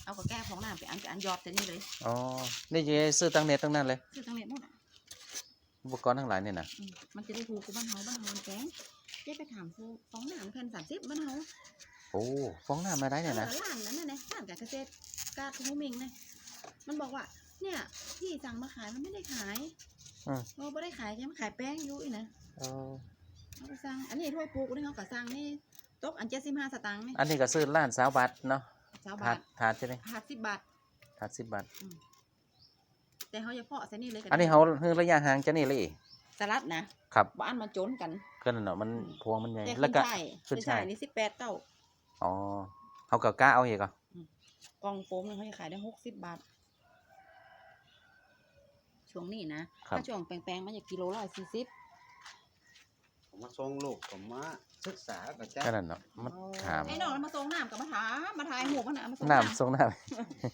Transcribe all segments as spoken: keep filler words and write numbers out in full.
เอาก็แก้ของน้ำไปอันไปอันยอดแต่นี่เลยอ๋อนี่จะซื้อตั้งเน็ตตั้งนั้นเลยซื้อทั้งเน็ตหมดอุปกรณ์ทั้งหลายเนี่ยนะมันจะได้ถูกกับบ้านเฮาบ้านเฮาแพงเจ๊ไปถามซื้อฟองน้ำแผ่นสามสิบบ้านเฮาโอ้ฟองน้ำมาได้เนี่ยนะร้านนั้นน่ะนะร้านการเกษตรกาทุ่งมิงเนี่ยมันบอกว่าเนี่ยที่สั่งมาขายมันไม่ได้ขายเราไม่ได้ขายใช่ไหมขายแป้งอยู่อีนะเขาไปสั่งอันนี้ถ้วยปลูกนี่เขาก็สั่งนี่ตกอันเจ็ดสิบห้าสตางค์นี่อันนี้ก็ซื้อร้านสาวบัตรเนาะสาวบาทถาดใช่ไหมถาดสิบบาทถาดสิบบาทแต่เขาจะเพาะใส่นี่เลยอันนี้เขาคือระยะห่างจะนี่เลยสลัดนะครับบ้านมันโจนกันก็นั่นเนาะมันพวงมันใหญ่แล้วก็ขึ้นช่ายนี่สิบแปดเต้าอ๋อเขาก็กล้าเอาเหรอกกองโฟมเขาจะขายได้หกสิบบาทช่วงนี้นะถ้าช่วงแปลงๆมันจะกิโลละสี่สิบผมมาส่งลูกผมมาศึกษากับเจ้าก็นั่นเนาะมาถามไอ้น้องมาส่งน้ำกับมาถามมาถ่ายหูมันนะมาส่งน้ำส่งน้ำ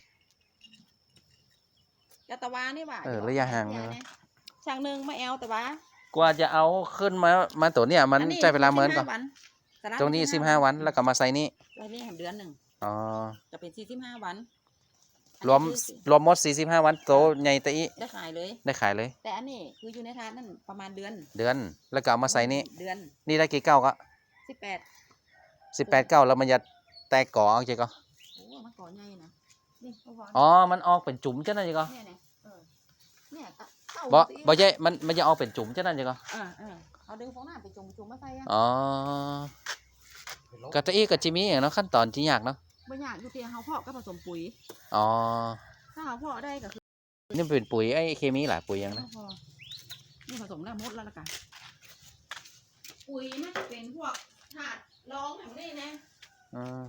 ยาตะวานี่ว่าเออระยะห่างช่างหนึ่งมาแอลแต่ว่ากว่าจะเอาขึ้นมามาตัวเนี้ยมันใช้เวลาเหมือนก่อนตรงนี้สิบห้าวันแล้วก็มาใส่นี่ใส่นี่แหมเดือนหนึ่งอ๋อจะเป็นสี่สิบห้าวันรวมรวมหมดสี่สิบห้าวันโตใหญ่ตีได้ขายเลยได้ขายเลยแต่อันนี้คืออยู่ในทานนั่นประมาณเดือนเดือนแล้วก็เอามาใส่นี่เดือนนี่ได้กี่เก้าก็สิบแปดสิบแปดเก้าแล้วมันจะแตกก่อเอาเจ๊ก็โอ้มันก่อใหญ่นะนี่อ๋อมันออกเป็นจุ่มจ้ะนั่นเจ๊ก็เนี่ยเนี่ยเออเนี่ยบ่บ่ใช่มันมันจะออกเป็นจุ่มจ้ะนั่นเจ๊ก็อ่าอ่าเอาดึงฟองน้ำไปจุ่มจุ่มมาใส่อ่ะอ๋อกะตะอี้กะจิมีเนาะขั้นตอนที่ยากเนาะบ่ยากอยู่ที่เฮาเพาะก็ผสมปุ๋ยอ๋อถ้าเฮาเพาะได้ก็คือนี่เป็นปุ๋ยไอ้เคมีหลายปุ๋ยยังนะนี่ผสมแล้วหมดแล้วล่ะกันปุ๋ยมันจะเป็นพวกถาดรองแบบนี้นะอืม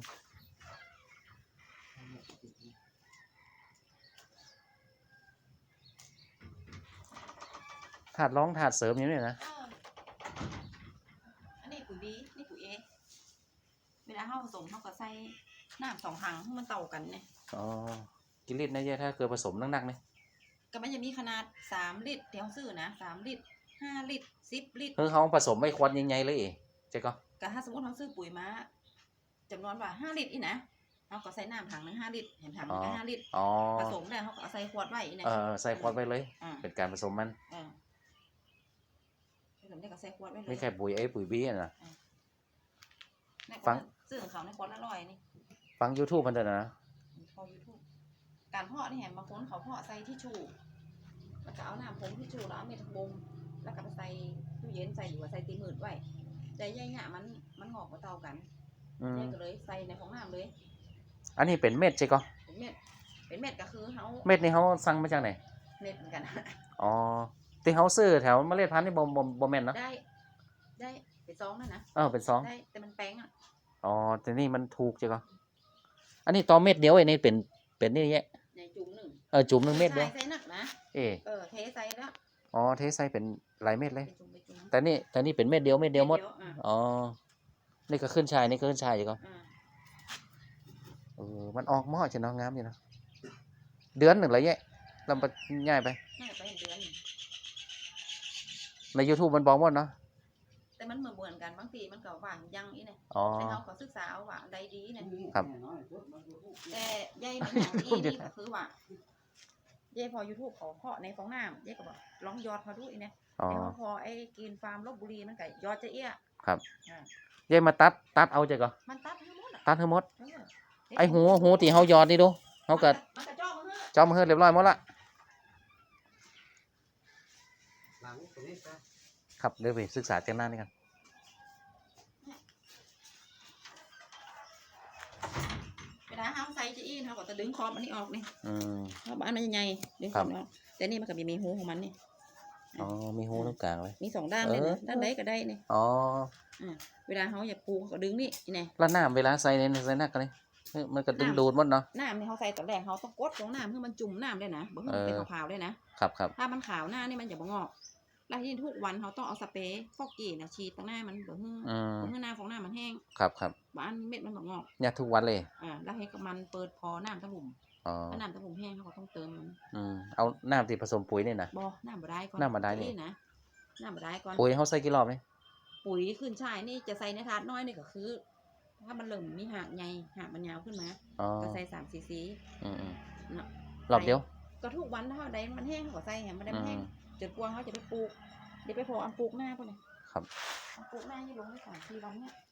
ถาดร้องถาดเสริมอย่างนี้นะอันนี้ปุ๋ยบีนี่ปุ๋ยเอเวลาเฮาผสมเฮาก็ใส่น้ำสองถังให้มันเต่ากันเนี่ยอ๋อกินลิตรนะเจ๊ถ้าเกิดผสมนักๆเนี่ยก็มันจะมีขนาดสามลิตรเดี๋ยวซื้อนะสามลิตรห้าลิตรสิบลิตรคือเขาผสมไม่ควรยังไงเลยเจ๊ก็ก็ถ้าสมมติเราซื้อปุ๋ยมาจำนวนว่าห้าลิตรอีนะเราก็ใส่น้ำถังหนึ่งห้าลิตรเห็นถังหนึ่งห้าลิตรผสมแล้วเขาก็ใส่ขวดไว้อีนะเออใส่ขวดไว้เลยเป็นการผสมมันผสมได้ก็ใส่ขวดไว้เลยไม่แค่ปุ๋ยเอปุ๋ยบีนะฟังซื้อของเขาในขวดละร้อยนี่ฟัง YouTube มันเถอะนะพอ YouTube การเพาะนี่เห็นบางคนเขาเพาะใส่ที่ชูแล้วก็เอาน้ำผงที่ชูแล้วเอาเม็ดบ่มแล้วก็ไปใส่ตู้เย็นใส่หรือว่าใส่ตีมืดไว้แต่ใยเนี่ยมันมันงอกมาเท่ากันใยก็เลยใส่ในของน้ำเลยอันนี้เป็นเม็ดใช่ก็เป็นเม็ดเป็นเม็ดก็คือเขาเม็ดนี่เขาสั่งมาจากไหนเม็ดเหมือนกันอ๋อที่เขาซื้อแถวเมล็ดพันธุ์นี่บ่บ่บ่แม่นเนาะได้ได้เป็นซองนั่นนะเออเป็นซองได้แต่มันแป้งอ่ะอ๋อแต่นี่มันถูกใช่ก็อันนี้ตอเม็ดเดียวไอ้นี่เป็นเป็นนี่แยะในจุ่มหนึ่งเออจุ่มหนึ่งเม็ดเดียวใส่หนักนะเออเออเทใส่แล้วอ๋อเทใส่เป็นหลายเม็ดเลยแต่นี่แต่นี่เป็นเม็ดเดียวเม็ดเดียวหมดอ๋อนี่ก็ขึ้นชายนี่ก็ขึ้นชายอยู่ก็เออมันออกหม้อจะน้องงามอยู่นะเดือนหนึ่งเลยแยะลำไปง่ายไปง่ายไปเดือนใน YouTube มันบอกหมดเนาะแต่มันเหมือนเหมือนกันบางทีมันก็หวานยังอีเนี่ยแต่เราขอศึกษาเอาว่าใดดีเนี่ยครับแต่ใยมันอย่างนี้นี่ก็คือว่าเย่พอ YouTube ขอเพาะในฟองน้ำเย่ก็บอกลองยอดเขาดูอีเนี่ยแต่พอไอ้กินฟาร์มลบบุรีมันก็ยอดจะเอี้ยครับเย่มาตัดตัดเอาใจก่อนมันตัดทั้งหมดตัดทั้งหมดไอ้หูหูที่เขายอดนี่ดูเขาเกิดจอมเฮือเรียบร้อยหมดละครับเดี๋ยวไปศึกษาเจ้าหน้านี่กันเวลาเขาใส่จะอี้เขาก็จะดึงคอมันนี่ออกนี่เพราะบ้านมันใหญ่ดึงคอมันออกแต่นี่มันก็มีมีหูของมันนี่อ๋อมีหูตรงกลางเลยมีสองด้านเลยนะด้านใดก็ได้นี่อ๋อเวลาเขาอยากปูเขาก็ดึงนี่นี่แล้วน้ำเวลาใส่ในใส่หนักกันเลยมันก็ดึงดูดหมดเนาะน้ำนี่เขาใส่ตอนแรกเขาต้องกดลงน้ำเพื่อมันจุ่มน้ำได้นะบ่ให้มันเป็นขาวๆได้นะครับครับถ้ามันขาวหน้านี่มันจะบ่งอกแล้วที่ทุกวันเขาต้องเอาสเปรย์ฟอกกี้นะฉีดตรงหน้ามันบ่ให้บ่ให้หน้าฟองหน้ามันแห้งครับครับบ้านเม็ดมันบ่งอกเนี่ยทุกวันเลยอ่าแล้วให้กับมันเปิดพอน้ำตะลุ่มถ้าน้ำตะลุ่มแห้งเขาก็ต้องเติมมันอืมเอาน้ำที่ผสมปุ๋ยนี่นะบ่น้ำบ่ได้ก่อนน้ำบ่ได้นี่นะน้ำบ่ได้ก่อนปุ๋ยเขาใส่กี่รอบนี่ปุ๋ยขึ้นช่ายนี่จะใส่ในถาดน้อยนี่ก็คือถ้ามันเริ่มมีหากใหญ่หากมันยาวขึ้นมาอ๋อก็ใส่สามซีซีอืมอืมเนาะรอบเดียวก็ทุกวันถ้าใดมันแห้งเขาก็ใส่เนี่ยมันได้อืมันแห้งมจนกลัวเขาจะไปปลูกเดี๋ยวไปพออันปลูกหน้าพวกนี้ครับอันปลูกหน้าที่ลงได้สามสี่วันเนี่ย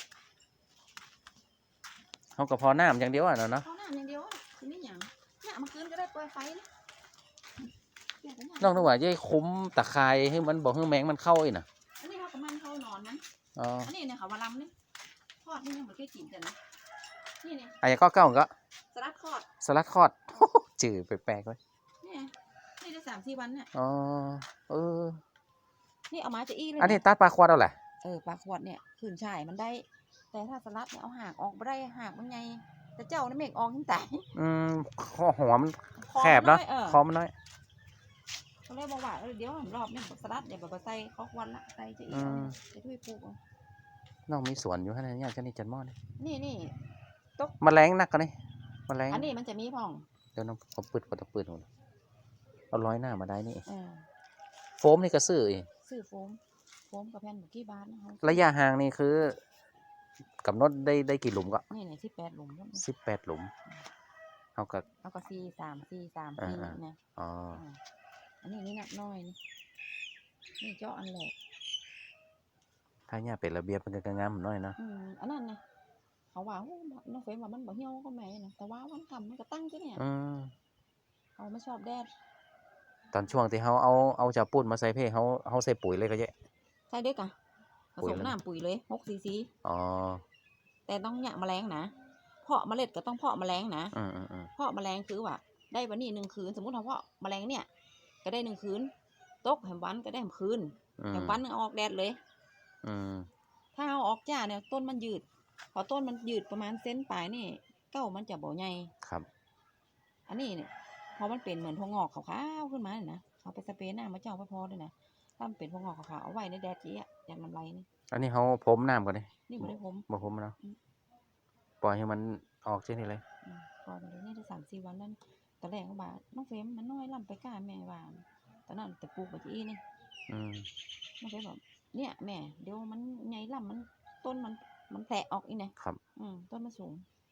เขาก็พอน้ำอย่างเดียวอ่ะเนาะเนาะเขาหน้าอย่างเดียวอ่ะคือไม่หยังเนี่ยเอามาคืนก็ได้เปิดไฟนะเนี่ยก็เนี่ยนอกจากว่าจะคุ้มตะไคร้ให้มันบอกให้แมงมันเข้าอีกนะอันนี้เขากับมันเขานอนมันอ๋ออันนี้เนี่ยเขามาลำนี่ทอดนี่ยังเหมือนแค่กินกันนะนี่เนี่ยอันนี้ก็เก้าก็สลัดทอดสลัดคอด จืดแปลกๆเลยเนี่ยนี่ได้สามสี่วันเนี่ยอ๋อเออนี่เอามาจะอี้เลยอันนี้นะตัดปลาควาดเอาแหละเออปลาขวดเนี่ยขืนฉ่ายมันได้ แต่ถ้าสลัดเนี่ยเอาหากออกไม่ได้หากมันไงแต่เจ้านี่เมกออกยิ่งแต่อืมคอหัวมันคอแคบเนาะมัอยเออคอมันน้อยเขาเลยบอกว่าเออเดี๋ยวผมรอบเนี่ยสลัดเดี๋ยวแบบใส่ข้าวควันละใส่จะอีกอืมจะทุยปลูกเอาน้องมีสวนอยู่ขนาดนี้จะนี่จันหม้อนี่นี่นี่แมลงนักกันนี่แมลงอันนี้มันจะมีพ่องเดี๋ยวน้องเขาปืดเขาตะปืดหมดเอาร้อยหน้ามาได้นี่เออโฟมนี่ก็ซื้ออีกซื้อโฟมโฟมกับแผ่นบุกี้บาทนะคะระยะห่างนี่คือกำหนดได้ได้กี่หลุมก็นี่เนี่ยที่แปดหลุมแล้วสิบแปดหลุมเขาก็เอาก็สี่สามสี่สามอ่าสี่อ่าเนี่ยอ๋ออ่าอันนี้นี่หนักน้อยนี่นี่เจาะอันแหลกถ้าเนี่ยเป็นระเบียบเป็นกระงามน้อยเนาะอืมอันนั้นนะเขาว่าโอ้น้องเฟรมว่ามันบ่เหี่ยวก็แม่นะแต่ว่าวันทำมันก็ตั้งจ้ะเนี่ยอืมเขาไม่ชอบแดดตอนช่วงที่เขาเอาเอาจากปุ้นมาใส่เพเขาเขาใส่ปุ๋ยเลยก็เยอะใส่ด้วยกะผปุ๋สยมเลยน้ำปุ๋ยเลยหกซีซีอ๋อแต่ต้องหยะแมลงนะเพาะเมล็ดก็ต้องเพาะแมลงนะอืมอืมอืมเพาะแมลงคือว่าได้วันนี้หนึ่งคืนสมมติเราเพาะแมลงเนี่ย ก็ได้หนึ่งคืนตกแหมวันก็ได้แหมคืนอืมแหมวันนึงเอาออกแดดเลยอืมถ้าเอาออกจ้าเนี่ยต้นมันยืด พอต้นมันยืดประมาณเซนปลายนี่เก้ามันจะบ่ใหญ่ครับอันนี้เนี่ยพอมันเป็นเหมือนพวงงอกขาวๆขึ้นมาเนี่ยนะเอาไปสเปรย์หน้ามาเจ้าไปพอด้วยนะถ้ามันเป็นพวงงอกขาวๆเอาไว้ในแดดจี้อะอย่างลำไรนี่อันนี้เขาพรมน้ำก่อนดินี่บ่ได้ผมบ่พรมเนาะอืมปล่อยให้มันออกเช่นนี้เลยอืมก่อนเลยนี่ได้สามสี่วันแล้วนะตอนแรกเขาบอกน้องเฟรมมันน้อยล่ำไปกล้าแม่ว่าตอนนั้นแต่ปลูกไปจี้นี่อืมน้องเฟรมบอกเนี่ยแม่เดี๋ยวมันใหญ่ล่ำมันต้นมันมันแตกออกอีกนะครับ อืมต้นมันสูง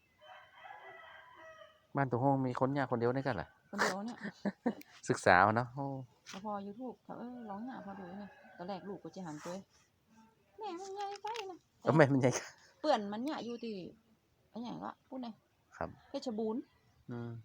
บ้านตัวห้องมีคนยากคนเดียวได้กันเหรอคนเดียวเนี่ยศึกษาเอาเนาะโอ้แล้วพอยูทูบเขาเออร้องหาพอดูเนี่ยตอนแรกลูกก็จะหันไปแม่มันใหญ่ไปนะเออแม่มันใหญ่เปื่อนมันเนี่ยอยู่ที่อันอย่างก็พูดไงครับเพชรบูรณ์อืม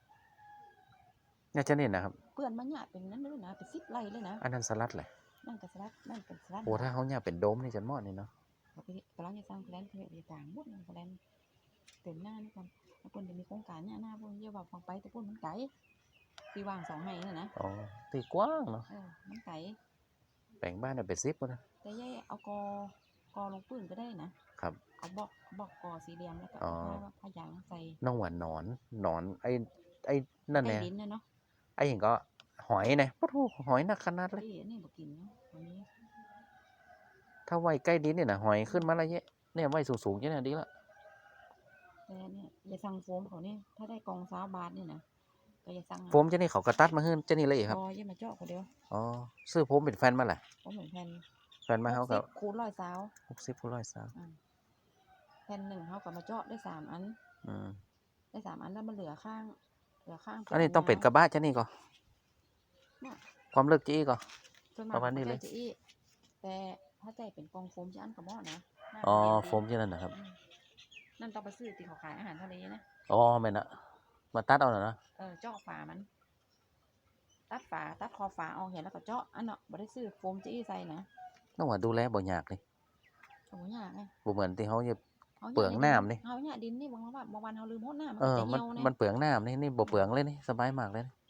เนี่ยจะเน้นนะครับเปื่อนมันเนี่ยเป็นนั้นเลยนะเป็นซิปไร่เลยนะอันนั้นสลัดแหละนั่นกับสลัดนั่นกับสลัดโอ้ถ้าเขาเนี่ยเป็นโดมนี่จะเหมอดนี่เนาะเขาไปกำลังจะสร้างแพลนเขาจะต่างหมดเลยแพลนเต็มหน้านี่ก่อนแล้วปุ่นจะมีโครงการเนี่ยหน้าปุ่นเยอะว่าฟังไปแต่ปุ่นมันไกลที่วางสองให้น่ะนะอ๋อตีกว้างเนาะเออมันไกลแบ่งบ้านได้เป็นซิปนะแต่ย่ายเอากอกอลงปืนก็ได้นะครับ เอาบอกบอกกอสี่เหลี่ยมแล้วก็อ๋อเอาผ้าผ้ายางใส่น้องหวานหนอนหนอนไอ้ไอ้นั่นใต้เนี่ยดินนะเนาะไอ้เห็นก็หอยเนี่ยปะทูหอยหนักขนาดเลยที่นี่บอกกินเนาะอันนี้ถ้าไว้ใกล้ดินเนี่ยนะหอยขึ้นมาแล้วเยอะเนี่ยไว้สูงๆเยอะนะดีละแต่เนี่ยอย่าสั่งโฟมเขาเนี่ยถ้าได้กองสาวบาทเนี่ยนะก็อย่าสั่งโฟมเจะนี่เขากระตัดมาขึ้นเจะนี่เลยครับพออย่ามาเจาะเขาเดียวอ๋อซื้อโฟมเป็นแฟนมาแหละผมเหมือนแผ่นแฟนมาเขากับหกสิบคูณร้อยสาวหกสิบผู้ร้อยสาวแผ่นหนึ่งเขากับมาเจาะได้สามอันอืมได้สามอันแล้วมันเหลือข้าง เหลือข้างอันนี้ต้องเป็นกระบะเจะนี่ก็เนี่ยความเลิกจี้ก็ส่วนมประมาณนี้เลยขจะอี้แต่ถ้าใจเป็นกองโฟมจะอันกระบอกนะหน้าอ๋อเรียนโฟมเช่นนั้นนะครับอืมนั่นต้องไปซื้อที่เขาขายอาหารทะเลนะอ๋อไม่นะมาตัดเอาหน่อยนะเออเจาะฝามัน ตัดฝาตัดคอฝาเอาเห็นแล้วก็เจาะอันเนาะบ่ได้ซื้อโฟมจะอี้ใส่นะต้องว่าดูแลบ่ยากเลยโอ้ยยากไงบ่เหมือนที่เขาจะอาเปลืองน้ำนี่เอาเนี่ยดินนี่บางวันบางวันเขาลืมหดน้ำมันเออจะมันเหี่ยวเนี่ยมันเปลืองน้ำนี่นี่บ่เปลืองเลยนี่สบายมากเลยนี่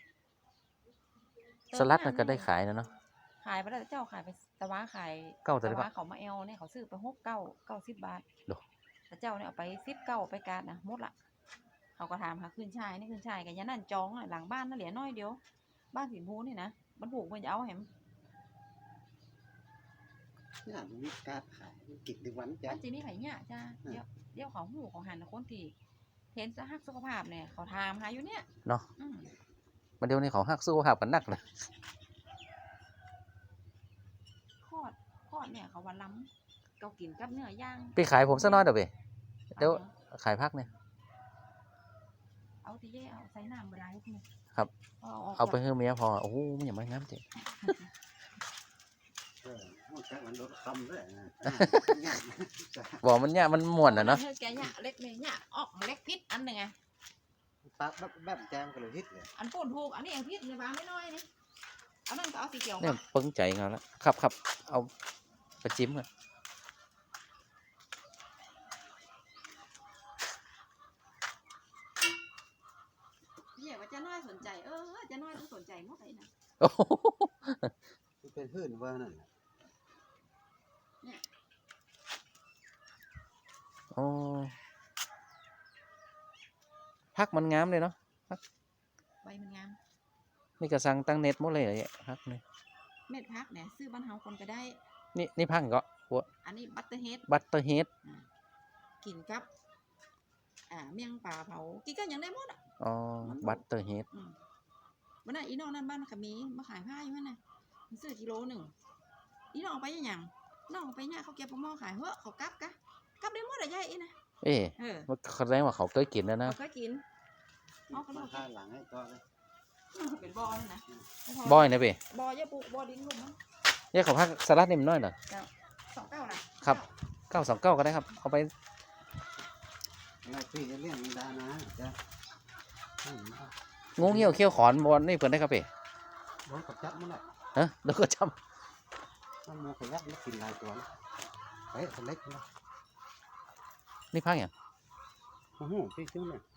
สลัดน่ะก็ได้ขายนะเนาะขายไปแล้วแต่เจ้าขายไปตะว้าขายเก้าแต่ตะได้ว้าปะเขามาเอลเนี่ยเขาซื้อไปหกเก้าเก้าสิบบาทโดแต่เจ้าเนี่ยเอาไปสิบเก้าไปการนะหมดละเขาก็ถามหาขึ้นชายนี่ขึ้นชายกันยันนั่นจองอะหลังบ้านนั่นเหลือน้อยเดียวบ้านสินพูนี่นะมันผูกมันจะเอาแหมเนี่ยมันมีการขายกิจในวันจ้ะมันจีนี่ไผ่เนี่ยจ้าอืมเดี๋ยวเดี๋ยวเขาหูของหันคนที่เห็นสหักสุขภาพเนี่ยเขาถามหาอยู่เนี่ยเนาะอืมมันเดี๋ยวนี้เขาหักสู้หักกันนักเลยคอดคอดเนี่ยเขาว่าล้ำเขากินกับเนื้อย่างไปขายผมซะน้อยเด้อเว้ยเดี๋ยวขายพักเนี่ยเอาที่แย่เอาใส่น้ำเวลาให้เนี่ยครับเอาออกเอาไปให้เมียพอโอ้โหมันอย่างไม่งามจริงเออมันแค่มันโดนคำด้วยนะบอกมันเนี่ยมันม่วนอ่ะเนาะเธอแกเนี่ยเล็กเนี่ยเนี่ยออกเล็กพิษอันหนึ่งไงตัดแบบแบบแจมกันเลยฮิตเลยอันปูนถูกอันนี้เองพิษในบ้านไม่น้อยนี่เอานั่นก็เอาสีเขียวเนี่ยปึ้งใจเงาแล้วครับครับเอาไปจิ้มกันเนี่ยว่าจะน้อยสนใจเออจะน้อยต้องสนใจหมดเลยนะโอ้โหมันเป็นพื้นว่านั่นน่ะโอ้พักมันงามเลยเนาะใบมันงามนี่ก็สั่งตั้งเน็ตหมดเลยอะพักนี่เม็ดพักเนี่ยซื้อบ้านเฮาคนก็ได้นี่นี่พักก็หัวอันนี้บัตเตอร์เฮดบัตเตอร์เฮดกินกับอ่าเมี่ยงปลาเผากินกันอย่างได้หมดอ่ะอ๋อบัตเตอร์เฮดอืมวันนั้นอีน้องนั่นบ้านขมีมาขายผ้าอยู่นั่นน่ะมันซื้อกิโลหนึ่งอีน้องเอาไปยังน้องเอาไปเนี่ยเขาเก็บปลาหม้อขายเหอะเขากลับกะกลับได้หมดอะยายอีนะเอ๊ะเออมันแสดงว่าเขาเคยกินแล้วนะเขาก็กินเอาก็มาเอาข้างหลังให้ก็เลยเป็นบ่อนี่นะบอยนะเป้บ่อยาปลูกบ่อดินลุ่มมั้งเนี่ยเขาพักสลัดนี่มันน้อยเหรอสองเก้านะครับเก้าสองเก้าก็ได้ครับเอาไปอะไรพี่จะเลี้ยงมันดานะจ้ะอืมเอางูเหี้ยวเขี้ยวขอนบอลนี่เปิดได้ครับเป้โดนกับจับมันแหละฮะแล้วก็จมันมูขยับมันกินหลายตัวนะเฮ้ยตัวเล็กนะำนี่พักอย่างโอ้โหพี่ชื่อเนี่ย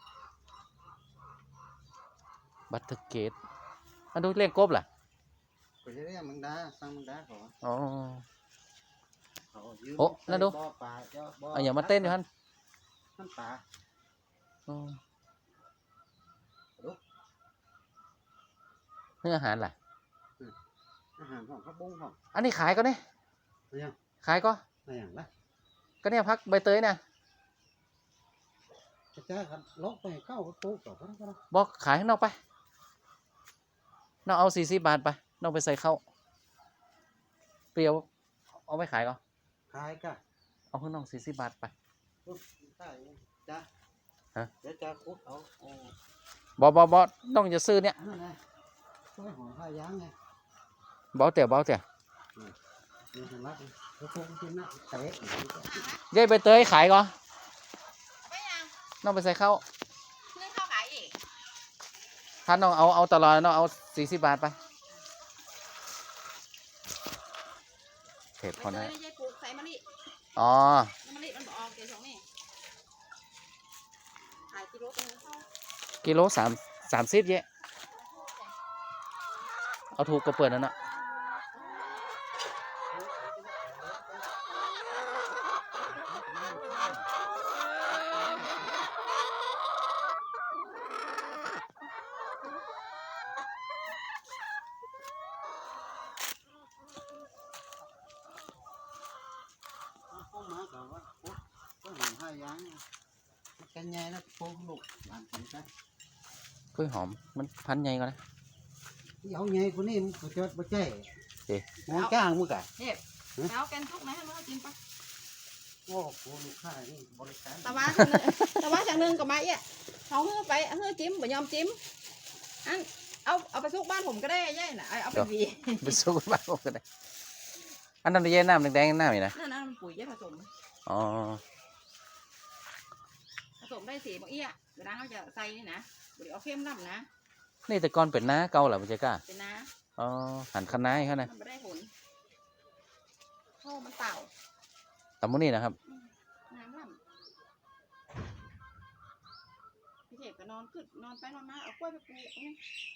บัตเตอร์เกตอันดูเลี้ยงกบล่ะก็จะเรียกมังดาสั่งมังดาเขาอ๋อเขายืมโอ้นั่นดูบ่อปลาเจ้าบ่อเอาอย่ามาเต้นอยู่ฮั่นน้ำปลาอ๋อเนื้ออาหารล่ะอาหารของข้าวบุ้งของอันนี้ขายก็เนี่ยอะไรอย่างขายก็อะไรอย่างละก็เนี่ยพักใบเตยนะจะจ้ากันลกไปเข้าตู้ก่อนก็ได้ก็ได้บอกขายข้างนอกไปน้องเอาสี่สิบบาทไปน้องไปใส่เข้าวเปรียวเอาไปขายก็ขายก็เอาข้างนอกสี่สิบบาทไปปุ๊บใช่จ้าฮะเดี๋ยวจะคุดเอาโอ้บอบอบอต้องจะซื้อเนี่ยนั่นไงช่วยห่อผ้ายางไงเบาเตี่ยเบาเตี่ยนี่ทำรักแล้วพวกกินนะเตะยายใบเตยขายก็ไปยังน้องไปใส่เข้าวเรื่องข้าวขายอีกถ้าน้องเอาเอาตลอดน้องเอาสี่สิบบาทไปเผ็ดไปพอเจนะอได้ยายปลูกใส่มะลิอ๋อมะลิมันบอกออกเกสองนี่ขายกิโลตัวนึงเข้ากิโลสามสามสิบเยะเอาถูกก็เปิดนั่นน่ะเข้ามาก่อนว่าคุดก็ห่อผ้ายางกันใหญ่นะพวกลูกหลานกินกันกล้วยหอมมันพันใหญ่ก่อนนะที่เอาใหญ่กว่านี้มันก็จะบ่ใจเอ๊ะมองจ้างมึงกะเนี่ยแล้วแกนทุกนะให้มันกินปะโอ้โหลูกค้านี่บริการตะวันจากหนึ่งตะวันจากหนึ่งกับไม้อ่ะเขาเฮือไปเฮือจิ้มบ่ยอมจิ้มอันเอาเอาไปซุกบ้านผมก็ได้ย่ายน่ะเอาเอาไปหวีไปสู้กันบ้างก็ได้อันนั้นเย็นน้ำแดงๆน้ำนี่นะนั่นนั่นมันปุ๋ยย่าผสมอ๋อผสมได้สีบางเอี้ยเวลาเขาจะใส่นี่นะบริเอาเข้มน้ำนะนี่แต่ก่อนเป็นน้าเก่าเหรอพี่เจ๊ก้าเป็นน้าอ๋อหันคะน้าให้เขานะมันไม่ได้ผลเข้ามันเปล่าตำมุนี่นะครับน้ำล่ำพี่เทพก็นอนขึ้นนอนไปนอนมาเอากล้วยไปปลูกนี่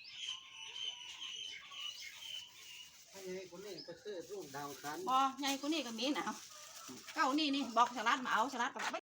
ถ้าใหญ่กว่านี้ก็ซื้อรุ่นดาวคันบอใหญ่กว่านี่ก็มีนะเอาเก้านี่นี่บอกสลัดมาเอาสลัดกับ